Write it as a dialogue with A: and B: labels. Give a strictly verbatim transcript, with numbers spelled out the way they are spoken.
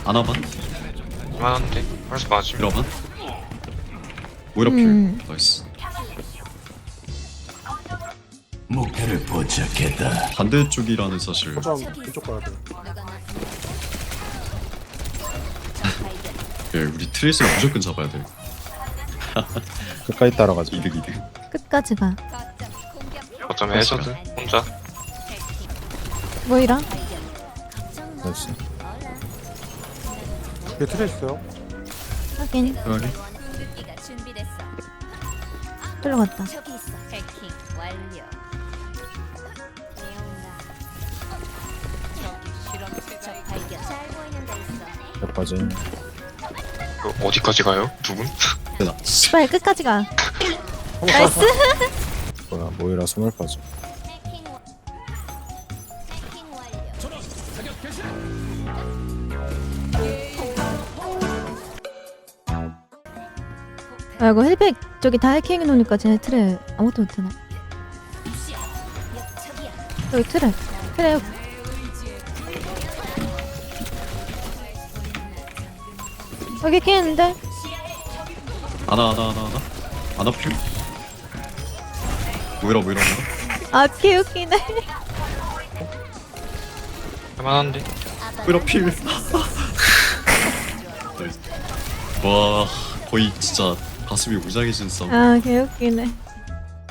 A: 아나반?
B: 이만한데 벌써 맞으면
A: 이러반? 오히려
C: 음.
A: 필 나이스.
D: 목표를 포착했다.
A: 반대쪽이라는 사실.
E: 거점 이쪽 가야 돼.
A: 예, 우리 트레이스를 무조건 잡아야 돼.
E: 끝까지 따라가자.
A: 이득 이득.
C: 끝까지 가.
B: 어쩌면 해저드 혼자
C: 뭐이라?
E: 나이스. 뒤에 틀에 있어요.
C: 확인.
A: 여기.
C: 들어갔다.
F: 저기 있어. 해킹 완료. 적 발견. 잘 보이는 데 있어.
E: 여기까지.
B: 이거 어디까지 가요? 두 분?
A: 되나?
C: 씨발 끝까지 가. 나이스.
E: 뭐야 모이라 스몰 빠져.
F: 해킹 와- 해킹 완료.
C: 아 이거 헬백 저기 다 해킹해 놓으니까 쟤네 틀에 아무것도 못하네.
F: 저기야.
C: 여기 틀에. 틀에 여기 해킹했는데?
A: 아나 아나 아나 아나. 아나 필. 뭐이라 뭐이라 뭐이라.
C: 아 개웃기네.
B: 할만한데
A: 뭐이라 필. 나이스. 와 거의 진짜 가슴이 웅장해진 싸움.
C: 아 개웃기네.